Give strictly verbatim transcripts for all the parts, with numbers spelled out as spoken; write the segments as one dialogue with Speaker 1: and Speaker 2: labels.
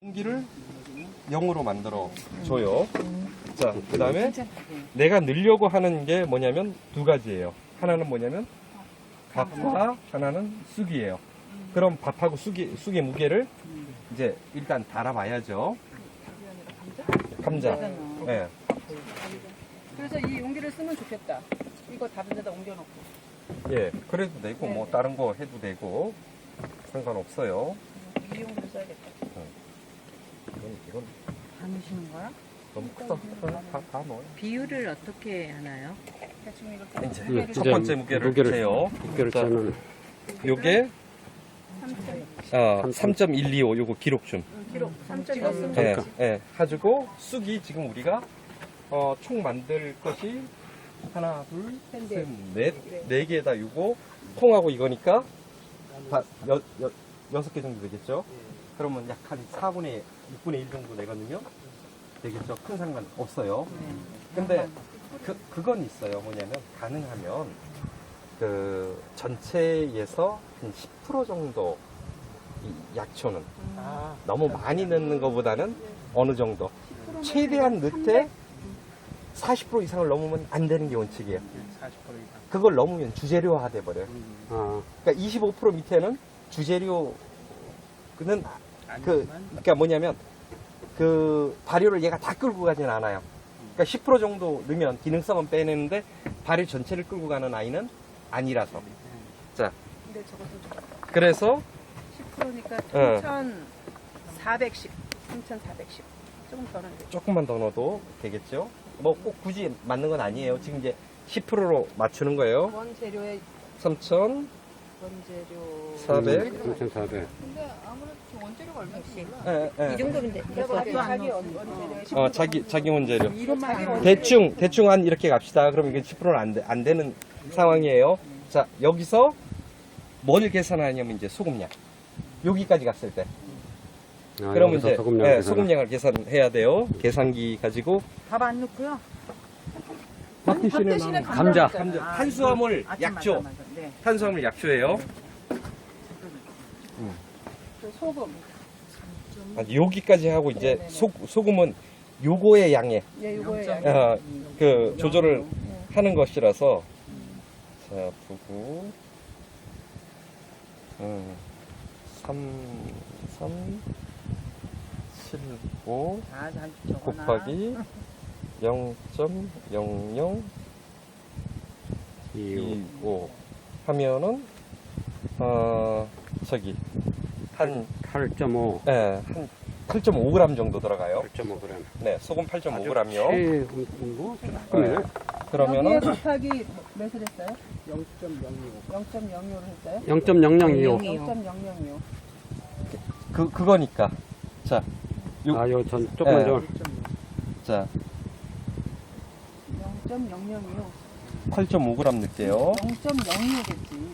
Speaker 1: 공기를 영으로 만들어 줘요. 자, 그 다음에 내가 넣으려고 하는 게 뭐냐면 두 가지예요. 하나는 뭐냐면 밥과 하나는 쑥이에요. 그럼 밥하고 쑥이, 쑥의 무게를 이제 일단 달아봐야죠. 감자. 네.
Speaker 2: 그래서 이 용기를 쓰면 좋겠다. 이거 다른 데다 옮겨놓고.
Speaker 1: 예, 그래도 되고 뭐 다른 거 해도 되고 상관없어요.
Speaker 2: 이 용기를 써야겠다.
Speaker 1: 이건, 이건
Speaker 3: 다 넣으시는 거야?
Speaker 1: 너무 크다. 다, 다 넣어요.
Speaker 3: 비율을 어떻게 하나요?
Speaker 2: 대충 이렇게.
Speaker 1: 이제
Speaker 2: 무게를
Speaker 1: 첫 번째 무게를
Speaker 4: 무게를-
Speaker 1: 재요.
Speaker 4: 무게를
Speaker 1: 자,
Speaker 4: 재면
Speaker 1: 요게
Speaker 2: 삼 점
Speaker 1: 어, 삼 점 일이오 요거 기록 좀.
Speaker 2: 기록 삼 점
Speaker 3: 찍었으면
Speaker 2: 일.
Speaker 1: 예,
Speaker 4: 그러니까.
Speaker 1: 예, 가지고 쑥이 지금 우리가 어, 총 만들 것이 하나, 둘, 셋, 넷, 네 개에다 요거 통하고 이거니까 다 여, 여, 여섯 개 정도 되겠죠? 그러면 약 한 사분의 육분의 일 정도 내거든요. 되겠죠? 큰 상관 없어요. 근데 그, 그건 있어요. 뭐냐면 가능하면 그 전체에서 한 십 퍼센트 정도 이 약초는 너무 많이 넣는 것보다는 어느 정도 최대한 넣되 사십 퍼센트 이상을 넘으면 안 되는 게 원칙이에요. 그걸 넘으면 주재료화 돼 버려요.
Speaker 4: 아,
Speaker 1: 그러니까 이십오 퍼센트 밑에는 주재료는 그 그러니까 뭐냐면 그 발효를 얘가 다 끌고 가진 않아요. 그러니까 십 퍼센트 정도 넣으면 기능성은 빼내는데 발효 전체를 끌고 가는 아이는 아니라서. 자,
Speaker 2: 근데 저것도 좋다.
Speaker 1: 그래서
Speaker 2: 십 퍼센트니까
Speaker 1: 어.
Speaker 2: 삼천사백십. 삼천사백십. 조금 더 넣으면 돼.
Speaker 1: 조금만 더 넣어도 되겠죠. 뭐 꼭 굳이 맞는 건 아니에요. 지금 이제 십 퍼센트로 맞추는 거예요.
Speaker 2: 원재료의
Speaker 1: 삼천사백.
Speaker 2: 원재료.
Speaker 4: 삼천사백.
Speaker 2: 근데 아무래도 저 원재료가 얼마지?
Speaker 1: 예, 예.
Speaker 3: 이 정도면 돼.
Speaker 2: 자기 자기 원- 원재료의 십 퍼센트.
Speaker 1: 어, 자기, 자기 원재료.
Speaker 2: 자기 원재료.
Speaker 1: 대충, 대충 한 이렇게 갑시다. 그럼 이게 십 퍼센트는 안, 돼, 안 되는 상황이에요. 자, 여기서 뭘 계산하냐면 이제 소금량. 여기까지 갔을 때.
Speaker 4: 아,
Speaker 1: 그러면
Speaker 4: 여기서
Speaker 1: 이제
Speaker 4: 소금량
Speaker 1: 예,
Speaker 4: 계산을.
Speaker 1: 소금량을 계산해야 돼요. 계산기 가지고.
Speaker 3: 밥 안 넣고요.
Speaker 2: 밥 대신에
Speaker 4: 감자.
Speaker 1: 감자, 탄수화물 약초.
Speaker 3: 네.
Speaker 1: 탄수화물 약초예요.
Speaker 2: 그 소금.
Speaker 1: 아, 여기까지 하고 이제
Speaker 2: 네네네.
Speaker 1: 소, 소금은 요거의 양에
Speaker 2: 예, 요거의 양.
Speaker 1: 어, 그 조절을 하는 것이라서. 자, 보고. 음, 삼, 삼, 칠, 오
Speaker 3: 아, 잘 적어놔.
Speaker 1: 곱하기 영 점 영영 이오 하면은, 어, 저기, 한,
Speaker 4: 팔 점 오.
Speaker 1: 예, 한 팔 점 오 그램 정도 들어가요.
Speaker 4: 팔 점 오 그램.
Speaker 1: 네, 소금 팔 점 오 그램이요.
Speaker 4: 뭐, 조금이네.
Speaker 1: 그러면은,
Speaker 2: 여기에 곱하기 몇을 했어요? 영 점 영오를 했어요?
Speaker 4: 영 점 영영이오.
Speaker 2: 영 점 영영이요.
Speaker 1: 그, 그거니까. 자, 요,
Speaker 4: 아, 요 전, 조금만
Speaker 1: 예.
Speaker 4: 더.
Speaker 1: 자,
Speaker 2: 영 점 영영이요.
Speaker 1: 팔 점 오 그램 넣을게요.
Speaker 2: 영 점 영이오겠지.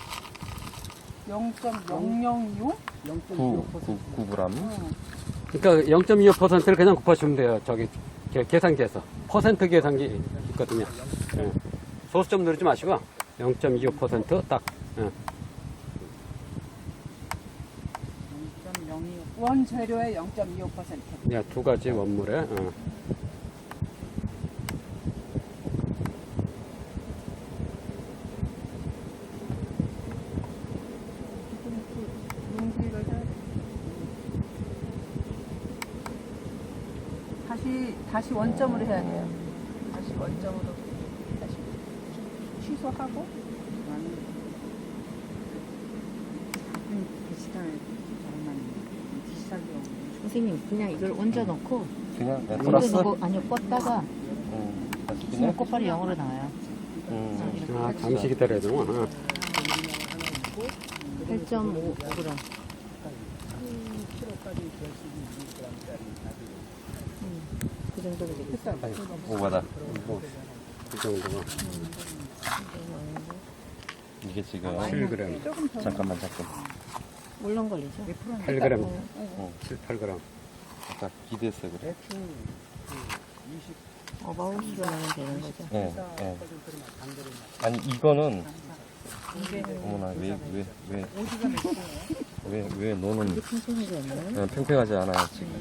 Speaker 2: 영 점 영영이요?
Speaker 1: 구, 구, 구 그램.
Speaker 4: 그러니까 영 점 이오 퍼센트를 그냥 곱하시면 돼요. 저기, 계- 계산기에서. 퍼센트 계산기 있거든요. 예. 소수점 누르지 마시고, 영 점 이오 퍼센트 딱. 예.
Speaker 2: 영 점 영이오. 원재료의 영 점 이오 퍼센트.
Speaker 4: 예, 두 가지 원물에. 어.
Speaker 2: 용기를 해야 돼. 다시 다시 원점으로 해야 돼요. 다시 원점으로 다시 취소하고
Speaker 3: 선생님, 그냥 이걸 얹어 놓고,
Speaker 1: 그냥, 네,
Speaker 3: 얹어
Speaker 1: 플러스.
Speaker 3: 놓고, 아니요, 껐다가,
Speaker 1: 음, 다시
Speaker 3: 있으면
Speaker 1: 그냥.
Speaker 3: 곧바로 영어로 나와요.
Speaker 1: 음,
Speaker 4: 아, 잠시 기다려야 되는구나. 어.
Speaker 3: 팔 점 오 그램. 그 정도면 되겠다.
Speaker 1: 아이고, 오바다.
Speaker 4: 이 정도가.
Speaker 1: 이게 지금.
Speaker 4: 칠 그램.
Speaker 2: 조금 더
Speaker 1: 잠깐만, 잠깐만.
Speaker 3: 물론 걸리죠.
Speaker 4: 팔 그램.
Speaker 1: 어,
Speaker 4: 칠, 팔 그램.
Speaker 1: 아까 기대했어요, 그래?
Speaker 3: 어바웃으로 하면 되는 거죠.
Speaker 1: 예, 예. 아니, 이거는, 어머나, 왜, 왜, 왜. 왜, 왜 너는
Speaker 3: 이게 팽팽하지 않나요?
Speaker 1: 어, 팽팽하지 않아요, 지금.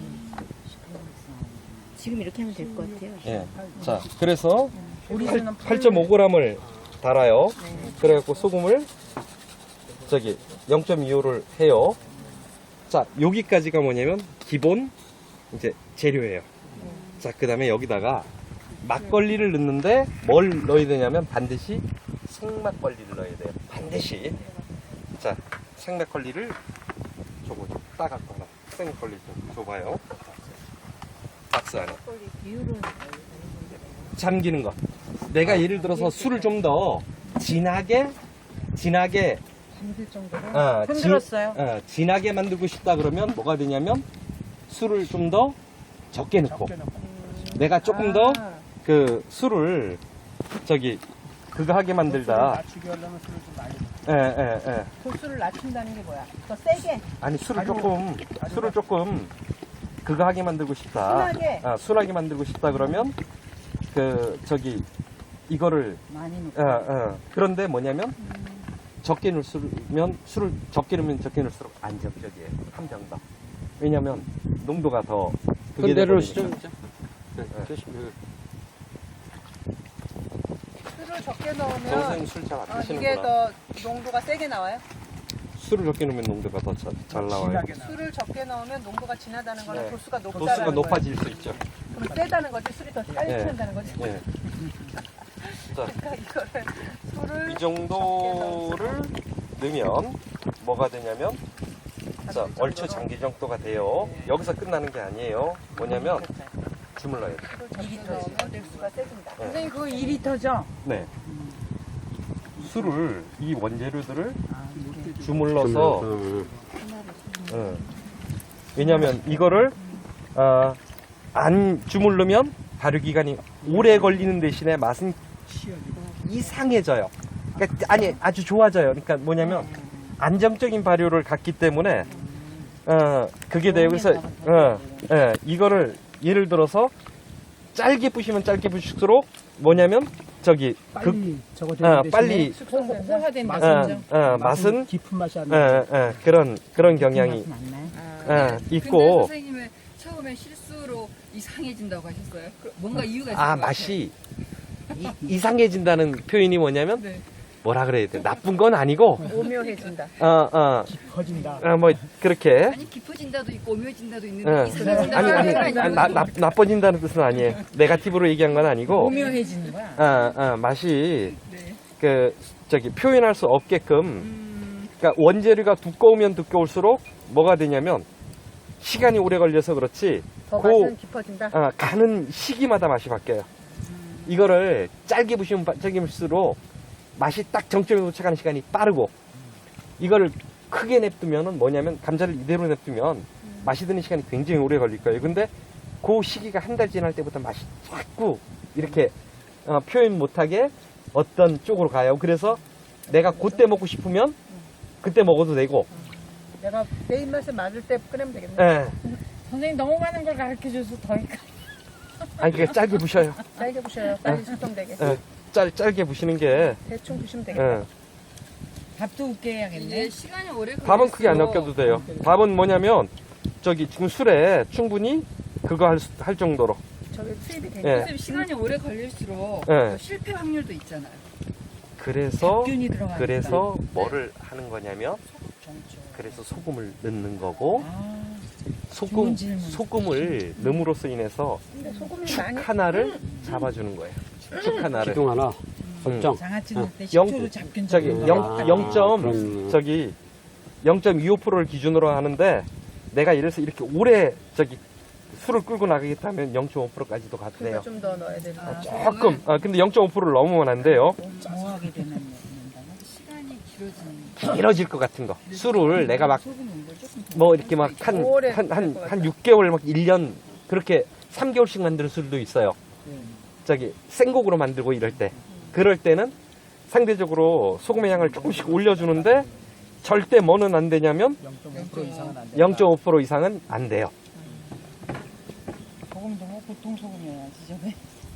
Speaker 3: 지금 이렇게 하면 될 것 같아요.
Speaker 1: 예. 자, 그래서
Speaker 2: 우리는
Speaker 1: 팔 점 오 그램을 달아요. 그래갖고 소금을 저기 영 점 이오를 해요. 자, 여기까지가 뭐냐면 기본 이제 재료예요. 자, 그 다음에 여기다가 막걸리를 넣는데 뭘 넣어야 되냐면 반드시 생막걸리를 넣어야 돼요. 반드시. 자, 생막걸리를 저거 좀 따갖고 하나. 생막걸리 좀 줘봐요. 박스 안에.
Speaker 3: 비율은
Speaker 1: 잠기는 거. 내가 예를 들어서 술을 좀 더 진하게, 진하게,
Speaker 2: 잠길 정도로
Speaker 1: 어, 진-
Speaker 2: 흔들었어요.
Speaker 1: 어, 진하게 만들고 싶다 그러면 뭐가 되냐면 술을 좀 더 적게 넣고, 내가 조금 더
Speaker 2: 아,
Speaker 1: 그 술을 저기 그거 하게 만들다.
Speaker 5: 낮추게 하려면 술을 좀 많이
Speaker 1: 예, 예, 예.
Speaker 2: 도수를 낮춘다는 게 뭐야? 더 세게
Speaker 1: 아니 술을 조금, 술을 조금 그거 하게 만들고 싶다.
Speaker 2: 순하게?
Speaker 1: 아, 순하게 만들고 싶다 그러면 그 저기 이거를
Speaker 2: 많이 넣고
Speaker 1: 어, 어. 그런데 뭐냐면 적게 넣으면 술을 적게 넣으면 적게 넣을수록 안정적이에요. 함정 더. 왜냐면 농도가 더
Speaker 4: 그
Speaker 1: 그게
Speaker 4: 내려오시죠.
Speaker 1: 돼버리니까.
Speaker 4: 네, 조심히.
Speaker 2: 술을 적게 넣으면
Speaker 1: 평생 술 잘 안
Speaker 2: 어, 이게
Speaker 1: 드시는구나.
Speaker 2: 더 농도가 세게 나와요?
Speaker 1: 술을 적게 넣으면 농도가 더 잘 나와요.
Speaker 5: 진하게 나.
Speaker 2: 술을 적게 넣으면 농도가 진하다는 거는
Speaker 1: 네.
Speaker 2: 도수가 높다는
Speaker 1: 도수가
Speaker 2: 거예요.
Speaker 1: 높아질 수 있죠.
Speaker 2: 그럼 세다는 거지 술이 더 빨리
Speaker 1: 네.
Speaker 2: 취한다는 거지.
Speaker 1: 예. 자,
Speaker 2: 그러니까 이거를 술을
Speaker 1: 이 정도를 넣으면 뭐가 되냐면 자, 얼추 장기 정도가 돼요. 여기서 끝나는 게 아니에요. 뭐냐면 주물러야 돼.
Speaker 2: 술을 적게 넣으면 도수가 세진다.
Speaker 1: 네.
Speaker 2: 선생님 그거 이 리터죠?
Speaker 1: 네. 술을 이 원재료들을 주물러서
Speaker 4: 음,
Speaker 1: 어. 왜냐면 이거를 어, 안 주물르면 발효 기간이 오래 걸리는 대신에 맛은 이상해져요. 그러니까 아니 아주 좋아져요. 그러니까 뭐냐면 안정적인 발효를 갖기 때문에 어 그게 돼요. 그래서 어, 예, 이거를 예를 들어서 짧게 부시면 짧게 부실수록 뭐냐면 저기 그
Speaker 5: 빨리 저거
Speaker 1: 어,
Speaker 5: 되는 대신에
Speaker 1: 빨리
Speaker 2: 호화된다.
Speaker 5: 맛은,
Speaker 1: 어, 어, 맛은
Speaker 5: 깊은 맛이 안
Speaker 1: 예,
Speaker 5: 나요.
Speaker 1: 예, 그런 그런 경향이 예,
Speaker 6: 근데
Speaker 1: 있고
Speaker 6: 선생님은 처음에 실수로 이상해진다고 하셨어요. 그- 뭔가 이유가 있을
Speaker 1: 아
Speaker 6: 것
Speaker 1: 맛이 이, 이상해진다는 표현이 뭐냐면
Speaker 6: 같아요. 네.
Speaker 1: 뭐라 그래야 돼? 나쁜 건 아니고
Speaker 2: 오묘해진다.
Speaker 1: 어어뭐
Speaker 5: 퍼진다.
Speaker 1: 그렇게
Speaker 6: 아니 깊어진다도 있고 오묘해진다도 있는데
Speaker 1: 예.
Speaker 6: 이상해진다고
Speaker 1: 아니 아니
Speaker 6: 하는 건
Speaker 1: 아니, 나, 나, 나빠진다는 뜻은 아니에요. 네가티브로 얘기한 건 아니고
Speaker 2: 오묘해지는 거야.
Speaker 1: 어, 어, 맛이
Speaker 6: 네.
Speaker 1: 그 저기 표현할 수 없게끔
Speaker 6: 음,
Speaker 1: 그러니까 원재료가 두꺼우면 두꺼울수록 뭐가 되냐면 시간이 오래 걸려서 그렇지
Speaker 2: 더
Speaker 1: 그
Speaker 2: 맛은 깊어진다.
Speaker 1: 어, 가는 시기마다 맛이 바뀌어요. 이거를 짧게 부시면 빠- 짧게 부실수록 맛이 딱 정점에 도착하는 시간이 빠르고 이거를 크게 냅두면은 뭐냐면 감자를 이대로 냅두면 맛이 드는 시간이 굉장히 오래 걸릴 거예요. 근데 그 시기가 한 달 지날 때부터 맛이 자꾸 이렇게 어, 표현 못하게 어떤 쪽으로 가요. 그래서 내가 그때 먹고 싶으면 그때 먹어도 되고
Speaker 2: 내가 내 입맛에 맞을 때 끓이면 되겠네.
Speaker 1: 예.
Speaker 7: 선생님 너무 많은 걸 가르쳐줘서 더 헷갈려.
Speaker 1: 아니 그게 짧게 부셔요.
Speaker 2: 짧게 부셔요. 빨리 숙성되게.
Speaker 1: 예. 짧, 짧게 부시는 게
Speaker 2: 대충 부시면 되겠다.
Speaker 1: 예.
Speaker 7: 밥도 웃게 해야겠네.
Speaker 6: 이게 시간이 오래 걸릴수록
Speaker 1: 밥은 크게 안 엮여도 돼요. 밥은 뭐냐면 저기 지금 술에 충분히 그거 할, 수- 할 정도로.
Speaker 2: 저게 수입이 되니까.
Speaker 1: 예.
Speaker 6: 선생님 시간이 오래 걸릴수록
Speaker 1: 예.
Speaker 6: 그 실패 확률도 있잖아요.
Speaker 1: 그래서
Speaker 7: 균이 들어가니까.
Speaker 1: 그래서 뭐를 하는 거냐면 그래서 소금을 넣는 거고
Speaker 7: 아,
Speaker 1: 소금
Speaker 7: 좋은 질문.
Speaker 1: 소금을 넣음으로써 인해서
Speaker 2: 근데 소금이
Speaker 1: 축
Speaker 2: 많이
Speaker 1: 하나를 잡아주는 거예요. 축 하나를.
Speaker 4: 기둥 하나 설정.
Speaker 7: 장아찌
Speaker 1: 응.
Speaker 7: 넣을 때
Speaker 1: 영-
Speaker 7: 식초로 잡균
Speaker 1: 저기
Speaker 7: 잡균.
Speaker 1: 영,
Speaker 4: 아,
Speaker 1: 영 점
Speaker 4: 그런-
Speaker 1: 저기 영 점 이오 퍼센트를 기준으로 하는데 내가 예를 들어서 이렇게 오래 저기 술을 끌고 나가겠다면 영 점 오 퍼센트까지도 가도 돼요.
Speaker 2: 좀 더 넣어야 된다.
Speaker 6: 아,
Speaker 1: 조금. 아, 근데 영 점 오 퍼센트를 넘으면 안 돼요.
Speaker 7: 뭐하게 되면 넣는다고?
Speaker 6: 시간이 길어지는
Speaker 1: 길어질 것 같은 거. 술을 내가 막
Speaker 6: 소금 온도 조금 더
Speaker 1: 뭐 이렇게 막 한
Speaker 2: 오래
Speaker 1: 한 한
Speaker 2: 될것
Speaker 1: 한
Speaker 2: 같다.
Speaker 1: 육 개월 막 일 년 그렇게 삼 개월씩 만드는 술도 있어요. 저기 생곡으로 만들고 이럴 때. 그럴 때는 상대적으로 소금의 양을 조금씩 올려주는데 절대 뭐는 안 되냐면
Speaker 5: 영 점 오 퍼센트 이상은 안 돼.
Speaker 1: 영 점 오 퍼센트 이상은 안 돼요.
Speaker 7: 소금도 뭐 보통 소금이어야지 저게.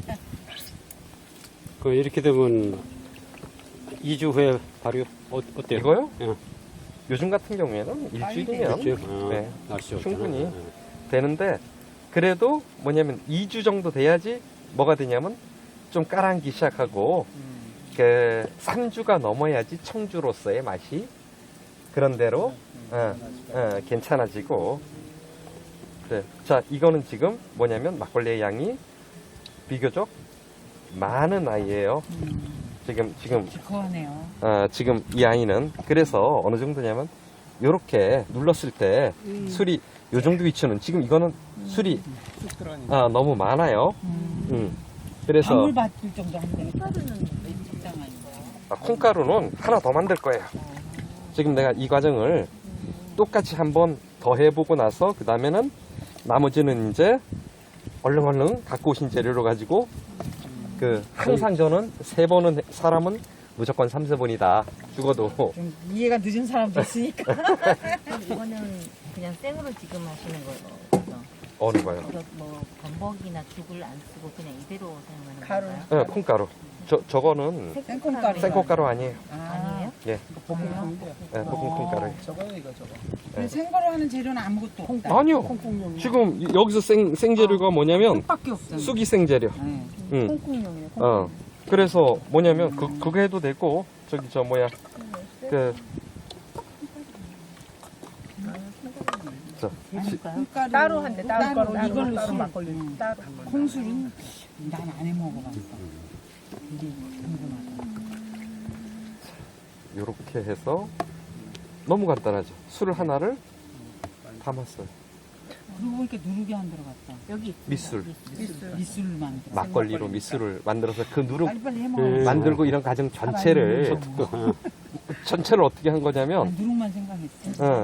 Speaker 4: 그 이렇게 되면 이 주 후에 발효 어, 어때요?
Speaker 1: 이거요?
Speaker 4: 예.
Speaker 1: 요즘 같은 경우에는 일주일이면
Speaker 4: 일주일? 어,
Speaker 1: 네,
Speaker 4: 날씨 좋잖아.
Speaker 1: 충분히
Speaker 4: 어.
Speaker 1: 되는데 그래도 뭐냐면 이 주 정도 돼야지 뭐가 되냐면 좀 깔아앉기 시작하고 그 삼 주가 넘어야지 청주로서의 맛이 그런 대로 어, 어, 괜찮아지고 그래. 자 이거는 지금 뭐냐면 막걸리의 양이 비교적 많은 아이예요. 지금 지금
Speaker 7: 시커하네요.
Speaker 1: 어, 지금 이 아이는 그래서 어느 정도냐면 요렇게 눌렀을 때 술이 요 정도 위치는 지금 이거는 술이
Speaker 5: 쑥 들어가니까.
Speaker 1: 아, 너무 많아요. 음. 그래서
Speaker 7: 방울 받을 정도 하면 되겠다. 적당한 거.
Speaker 1: 아, 콩가루는 하나 더 만들 거예요. 지금 내가 이 과정을 똑같이 한번 더 해보고 나서 그 다음에는 나머지는 이제 얼른 얼른 갖고 오신 재료로 가지고 그 항상 저는 세 번은 사람은 무조건 삼세 번이다 죽어도
Speaker 7: 좀 이해가 늦은 사람도 있으니까.
Speaker 3: 이거는 그냥 생으로 지금 하시는 거죠.
Speaker 1: 어느 거예요?
Speaker 3: 그래서 뭐 건더기나 죽을 안 쓰고 그냥 이대로 사용하는
Speaker 2: 가루.
Speaker 3: 건가요?
Speaker 1: 네, 콩가루. 저 저거는
Speaker 7: 생콩가루.
Speaker 1: 생콩가루 아니에요.
Speaker 3: 아니에요?
Speaker 1: 예,
Speaker 5: 볶음콩인데요.
Speaker 1: 네, 볶은 콩가루.
Speaker 5: 저거요 이거 저거.
Speaker 7: 그리고 생거로 하는 재료는 아무것도 없다.
Speaker 1: 아니요. 지금 이- 여기서 생 생재료가 뭐냐면
Speaker 7: 밖에 없잖아.
Speaker 1: 쑥이 생재료.
Speaker 7: 네.
Speaker 1: 응.
Speaker 2: 콩콩용이에요.
Speaker 1: 어. 그래서 뭐냐면 그 그거 해도 되고 저기 저 뭐야 그 저,
Speaker 3: 재밌을까요?
Speaker 7: 콩가루
Speaker 2: 따로 한대, 따로, 따로, 따로,
Speaker 7: 이걸로
Speaker 2: 따로
Speaker 7: 술.
Speaker 2: 막걸리.
Speaker 7: 응.
Speaker 2: 따로.
Speaker 7: 콩술은 난 안 해 먹어봤어. 이게 궁금하다.
Speaker 1: 요렇게 해서 너무 간단하죠. 술 하나를 담았어요.
Speaker 7: 그러고 보니까 누룩이 안 들어갔다.
Speaker 3: 여기
Speaker 1: 밑술,
Speaker 7: 미술만 들어.
Speaker 1: 막걸리로 밑술을 만들어서 그 누룩
Speaker 7: 빨리빨리 해 먹어.
Speaker 4: 음.
Speaker 1: 만들고 이런 과정 전체를 전체를 어떻게 한 거냐면
Speaker 7: 누룩만 생각했어.
Speaker 1: 어,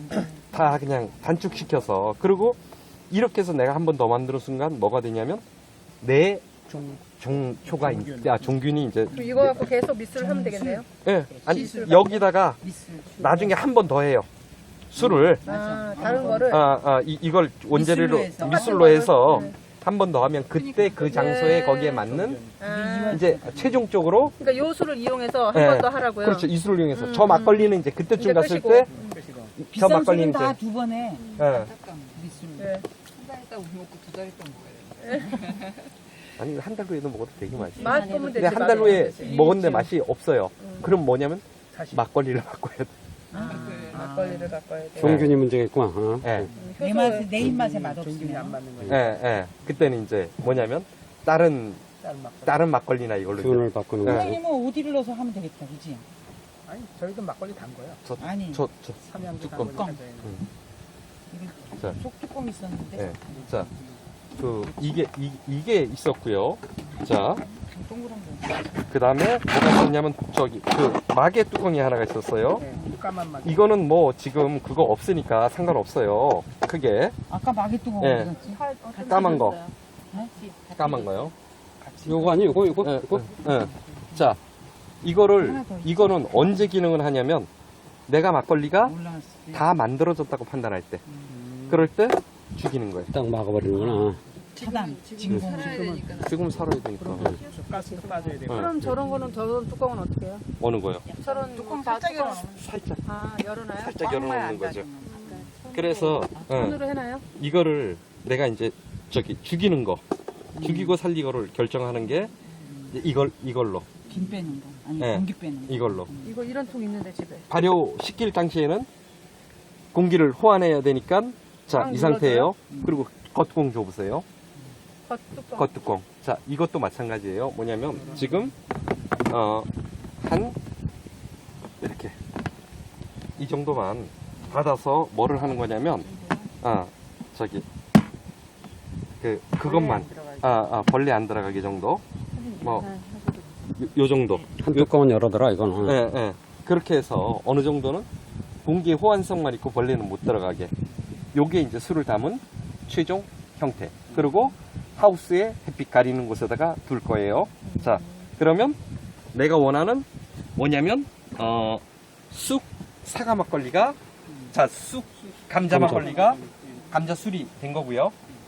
Speaker 1: 다 그냥 단축시켜서 그리고 이렇게 해서 내가 한 번 더 만드는 순간 뭐가 되냐면 내
Speaker 5: 종
Speaker 1: 종초가 있, 아, 종균이 이제
Speaker 2: 그럼 이거 갖고 계속 미술을 하면 되겠네요.
Speaker 1: 예, 아니 여기다가
Speaker 7: 미술.
Speaker 1: 나중에 한 번 더 해요. 술을
Speaker 2: 아, 다른 거를.
Speaker 1: 아, 아, 이, 이걸 원재료로
Speaker 7: 미술로 해서.
Speaker 1: 미술로 해서
Speaker 2: 네.
Speaker 1: 한 번 더 하면 그때 그 장소에
Speaker 2: 네.
Speaker 1: 거기에 맞는
Speaker 2: 아,
Speaker 1: 이제 최종적으로
Speaker 2: 그러니까 요술을 이용해서 한 번
Speaker 1: 네.
Speaker 2: 더 하라고요.
Speaker 1: 그렇죠 이술을 이용해서
Speaker 2: 음,
Speaker 1: 저 막걸리는 이제 그때쯤
Speaker 2: 이제
Speaker 1: 갔을
Speaker 2: 끄시고.
Speaker 1: 때
Speaker 5: 끄시고.
Speaker 1: 저
Speaker 7: 비싼
Speaker 1: 막걸리는
Speaker 7: 술은
Speaker 1: 이제
Speaker 7: 다 두 번 해.
Speaker 1: 예.
Speaker 7: 미술.
Speaker 2: 네.
Speaker 6: 한 달 있다 우리 먹고 두 달 있다 먹어야 돼.
Speaker 1: 아니 한 달 후에도 먹어도 되게 맛있어.
Speaker 2: 맛 보면 되지.
Speaker 1: 근데 한 달 후에
Speaker 2: 맛 보면 되지.
Speaker 1: 먹었는데 맛이 없어요. 그럼 뭐냐면
Speaker 5: 다시.
Speaker 1: 막걸리를 바꿔야 돼.
Speaker 2: 막걸리를 바꿔야 돼.
Speaker 4: 종균이 문제겠구만. 어.
Speaker 1: 예,
Speaker 7: 내 맛, 내 입맛에 맛
Speaker 5: 종균이 안
Speaker 7: 없으면.
Speaker 5: 맞는
Speaker 1: 예,
Speaker 5: 거예요.
Speaker 1: 예. 그때는 이제 뭐냐면 다른
Speaker 5: 다른 막걸리.
Speaker 1: 다른 막걸리나 이걸로 이제
Speaker 4: 기운을 바꾸는
Speaker 1: 네.
Speaker 4: 거지.
Speaker 7: 선생님은 어디를 넣어서 하면 되겠다, 그지?
Speaker 5: 아니 저희도 막걸리 단 거예요.
Speaker 7: 아니,
Speaker 1: 저, 저,
Speaker 5: 삼양주 단
Speaker 1: 뚜껑.
Speaker 5: 거니까 저희는.
Speaker 7: 이거
Speaker 1: 자.
Speaker 7: 속뚜껑 있었는데.
Speaker 1: 예. 자, 그 이게 이, 이게 있었고요. 자,
Speaker 7: 동그란 거.
Speaker 1: 그 다음에 뭐가 있었냐면 저기 그 마개 뚜껑이 하나가 있었어요.
Speaker 5: 네, 까만 막.
Speaker 1: 이거는 뭐 지금 그거 없으니까 상관없어요. 크게
Speaker 7: 아까 마개뚜껑
Speaker 1: 예.
Speaker 7: 어디 갔지?
Speaker 1: 까만 거,
Speaker 3: 네?
Speaker 1: 까만 거요.
Speaker 4: 요거 아니 요거 요거
Speaker 1: 예,
Speaker 4: 요거.
Speaker 1: 예. 자, 이거를
Speaker 7: 하나 더 있어.
Speaker 1: 이거는 언제 기능을 하냐면 내가 막걸리가
Speaker 7: 올라왔을 때.
Speaker 1: 다 만들어졌다고 판단할 때,
Speaker 5: 음.
Speaker 1: 그럴 때 죽이는 거예요.
Speaker 4: 딱 막아버리는구나.
Speaker 7: 차단.
Speaker 6: 지금
Speaker 7: 진공.
Speaker 6: 살아야 되니까.
Speaker 1: 지금 살아야 되니까.
Speaker 5: 가스도 빠져야 되고.
Speaker 1: 어.
Speaker 2: 그럼 저런 거는 저런 뚜껑은 어떻게 해요?
Speaker 1: 어느 거요?
Speaker 2: 저런
Speaker 7: 뚜껑
Speaker 2: 다
Speaker 7: 살짝
Speaker 2: 뚜껑-
Speaker 7: 열어놓으면
Speaker 1: 살짝,
Speaker 2: 아, 열어놔요?
Speaker 1: 살짝 열어놓는 거죠.
Speaker 7: 닫으면.
Speaker 1: 그래서 어,
Speaker 2: 손으로 해놔요?
Speaker 1: 이거를 내가 이제 저기 죽이는 거, 죽이고 살리고를 결정하는 게 이제 이걸 이걸로
Speaker 7: 김 빼는 거. 아니,
Speaker 1: 네.
Speaker 7: 공기 빼는 거.
Speaker 1: 이걸로
Speaker 2: 이거 이런 통 있는데 집에.
Speaker 1: 발효 시킬 당시에는 공기를 호환해야 되니까 자
Speaker 2: 꽉
Speaker 1: 이 상태예요.
Speaker 7: 음.
Speaker 1: 그리고 겉뚜껑 줘보세요.
Speaker 2: 겉 뚜껑.
Speaker 1: 겉뚜껑. 자 이것도 마찬가지예요. 뭐냐면 지금 어 한 이렇게 이 정도만 닫아서 뭐를 하는 거냐면 아 저기 그 그것만 아, 아 벌레 안 들어가게 정도 뭐 요, 요 정도
Speaker 4: 한 뚜껑은 열어더라 이거는.
Speaker 1: 예, 예. 그렇게 해서 어느 정도는 공기의 호환성만 있고 벌레는 못 들어가게. 요게 이제 술을 담은 최종 형태. 그리고 하우스에 햇빛 가리는 곳에다가 둘 거예요. 자, 그러면 내가 원하는 뭐냐면, 어, 쑥 사과 막걸리가, 자, 쑥 감자 막걸리가 감자 술이 된 거고요.